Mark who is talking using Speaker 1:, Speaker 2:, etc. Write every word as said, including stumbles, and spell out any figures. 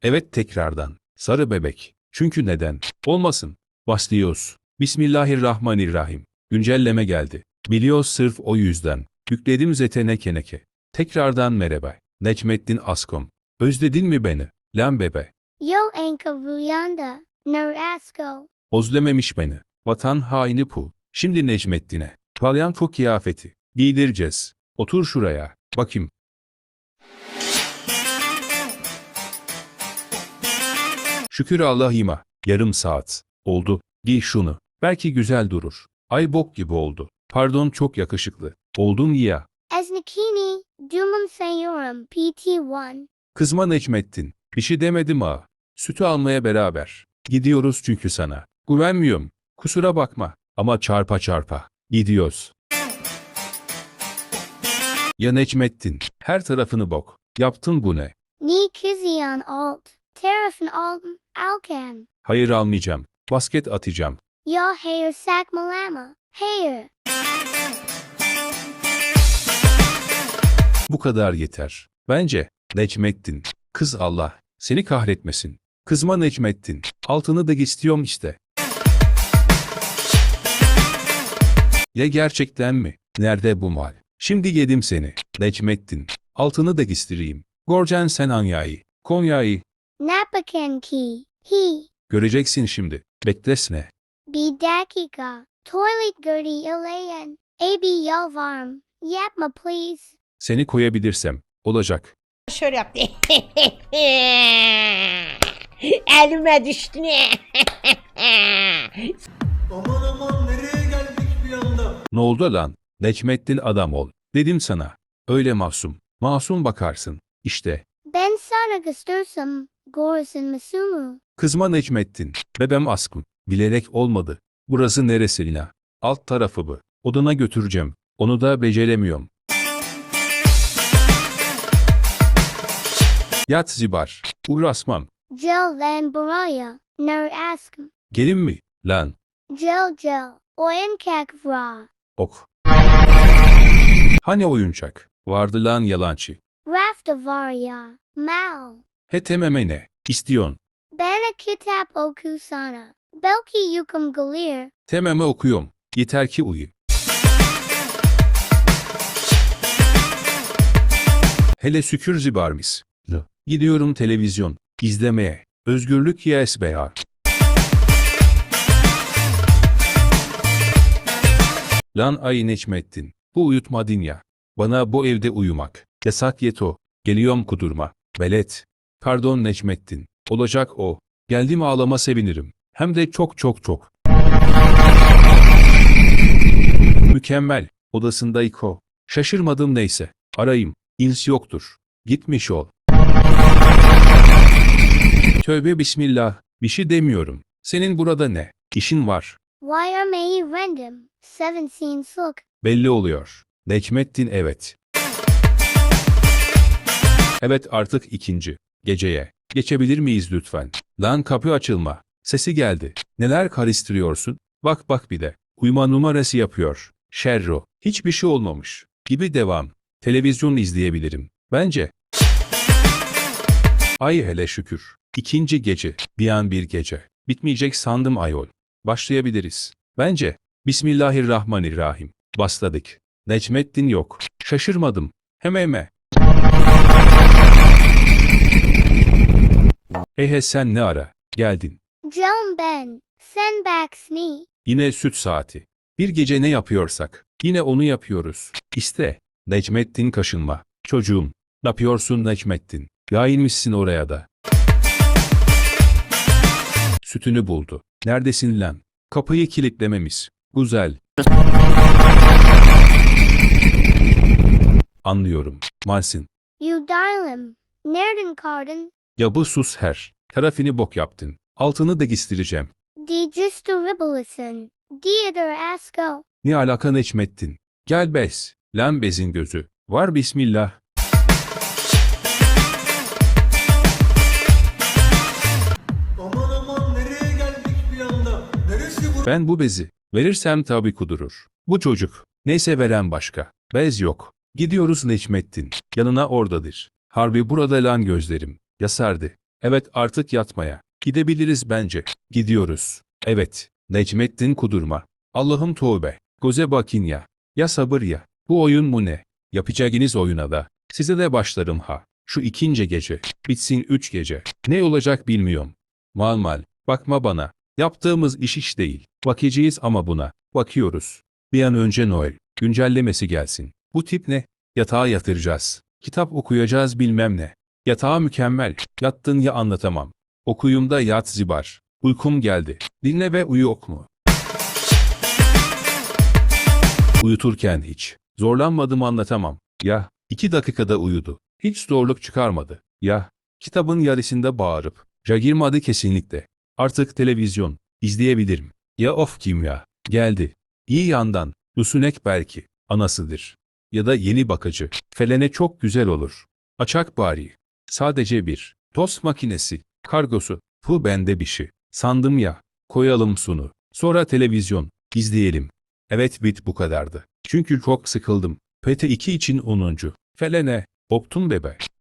Speaker 1: Evet tekrardan. Sarı bebek. Çünkü neden? Olmasın. Başlıyoruz. Bismillahirrahmanirrahim. Güncelleme geldi. Biliyoruz sırf o yüzden. Yükledim zetene keneke. Tekrardan merhaba. Necmettin Askom. Özledin mi beni? Lan bebe.
Speaker 2: Yo Anka Ruyanda, Narasko.
Speaker 1: Özlememiş beni. Vatan haini pu. Şimdi Necmettin'e. Palyanto kıyafeti. Giydireceğiz. Otur şuraya. Bakayım. Şükür Allah'ıma. Yarım saat. Oldu. Giy şunu. Belki güzel durur. Ay bok gibi oldu. Pardon çok yakışıklı. Oldun ya.
Speaker 2: Esnikini, Dumum Sayurum P T bir.
Speaker 1: Kızma Necmettin. Bir şey demedim ha. Sütü almaya beraber. Gidiyoruz çünkü sana. Güvenmiyorum. Kusura bakma. Ama çarpa çarpa. Gidiyoruz. Ya Necmettin. Her tarafını bok. Yaptın bu ne?
Speaker 2: Ni Kizian Alt, Terafin Alton, Alkan.
Speaker 1: Hayır almayacağım. Basket atacağım.
Speaker 2: Ya Hayer Sak Malama, Hayer.
Speaker 1: Bu kadar yeter. Bence. Necmettin. Kız Allah. Seni kahretmesin. Kızma Necmettin. Altını da istiyorum işte. Ya gerçekten mi? Nerede bu mal? Şimdi yedim seni. Necmettin. Altını da istireyim. Gorcan sen Anya'yı. Konya'yı.
Speaker 2: Napakan Ki, He.
Speaker 1: Göreceksin şimdi. Beklesene.
Speaker 2: B Dakika, Toilet Gertie Ilayan, A B Yalvarm, Yapma please.
Speaker 1: Seni koyabilirsem. Olacak.
Speaker 3: Şöyle yaptı. Elime düştü ne?
Speaker 4: Aman aman nereye geldik bir anda?
Speaker 1: Ne oldu lan? Necmettin adam ol. Dedim sana. Öyle masum. Masum bakarsın. İşte.
Speaker 2: Ben sana göstersem, Gorison Masumu.
Speaker 1: Kızma Necmettin. Bebem askım. Bilerek olmadı. Burası neresi Lina? Alt tarafı bu. Odana götüreceğim. Onu da beceremiyorum. Yat zibar. Uğraşmam.
Speaker 2: Gel Lan Baraya, Nar Askm.
Speaker 1: Gelin mi? Lan.
Speaker 2: Gel Gel, Oyankak Vra.
Speaker 1: Ok. Hani oyuncak? Vardı lan yalancı.
Speaker 2: Rafta Varya, Mal.
Speaker 1: He tememe ne? İstiyon.
Speaker 2: Bana Kitap Okusana. Belki Yukum Galir.
Speaker 1: Tememe okuyorum. Yeter ki uyu. Hele şükür zibarmis. Gidiyorum televizyon. İzlemeye. Özgürlük yes be. Lan ay Necmettin. Bu uyutmadın ya. Bana bu evde uyumak. Yasak yeto. Geliyorum kudurma. Velet. Pardon Necmettin. Olacak o. Geldim ağlama sevinirim. Hem de çok çok çok. Mükemmel. Odasında iko. Şaşırmadım neyse. Arayayım. İns yoktur. Gitmiş ol. Tövbe bismillah. Bir şey demiyorum. Senin burada ne? İşin var.
Speaker 2: Why are me random? Seven scene sook.
Speaker 1: Belli oluyor. Necmettin evet. Evet artık ikinci. Geceye. Geçebilir miyiz lütfen? Lan kapı açılma. Sesi geldi. Neler karıştırıyorsun? Bak bak bir de. Uyuma numarası yapıyor. Şerro. Hiçbir şey olmamış. Gibi devam. Televizyon izleyebilirim. Bence. Ay hele şükür. İkinci gece. Bir an bir gece. Bitmeyecek sandım ayol. Başlayabiliriz. Bence. Bismillahirrahmanirrahim. Başladık. Necmettin yok. Şaşırmadım. Heme heme. Ehe sen ne ara? Geldin.
Speaker 2: Joan Ben. Send back Snee.
Speaker 1: Yine süt saati. Bir gece ne yapıyorsak. Yine onu yapıyoruz. İşte. Necmettin kaşınma. Çocuğum. Ne yapıyorsun Necmettin? Yayılmışsın oraya da. Sütünü buldu. Neredesin lan? Kapıyı kilitlememiş. Güzel. Anlıyorum. Malsin.
Speaker 2: You darling. Nereden kardın?
Speaker 1: Ya bu sus her. Tarafını bok yaptın. Altını da gistireceğim.
Speaker 2: Di justu ribbleson. Diader asko.
Speaker 1: Ne alaka Necmettin? Gel bez. Lan bezin gözü. Var bismillah.
Speaker 4: Aman aman nereye geldik bir anda? Neresi bu?
Speaker 1: Ben bu bezi verirsem tabi kudurur. Bu çocuk. Neyse veren başka. Bez yok. Gidiyoruz Necmettin. Yanına oradadır. Harbi burada lan gözlerim. Yasardı. Evet artık yatmaya. Gidebiliriz bence. Gidiyoruz. Evet. Necmettin kudurma. Allah'ım tövbe. Göze bakın ya. Ya sabır ya. Bu oyun mu ne? Yapacağınız oyuna da. Size de başlarım ha. Şu ikinci gece. Bitsin üç gece. Ne olacak bilmiyorum. Mal mal. Bakma bana. Yaptığımız iş iş değil. Bakacağız ama buna. Bakıyoruz. Bir an önce Noel güncellemesi gelsin. Bu tip ne? Yatağa yatıracağız. Kitap okuyacağız bilmem ne. Yatağa mükemmel. Yattın ya anlatamam. Okuyum da yat zibar. Uykum geldi. Dinle ve uyu okmu. Uyuturken hiç. Zorlanmadım anlatamam. Ya, iki dakikada uyudu. Hiç zorluk çıkarmadı. Ya, kitabın yarısında bağırıp. Jagirmadı kesinlikle. Artık televizyon. izleyebilirim. Ya of kimya. Geldi. İyi yandan. Lusunek belki. Anasıdır. Ya da yeni bakıcı. Felene çok güzel olur. Açak bari. Sadece bir. Tost makinesi. Kargosu. Bu bende bir şey. Sandım ya. Koyalım sunu. Sonra televizyon. izleyelim. Evet bit bu kadardı. Çünkü çok sıkıldım. P T iki için onuncu. Felene. Optun bebe.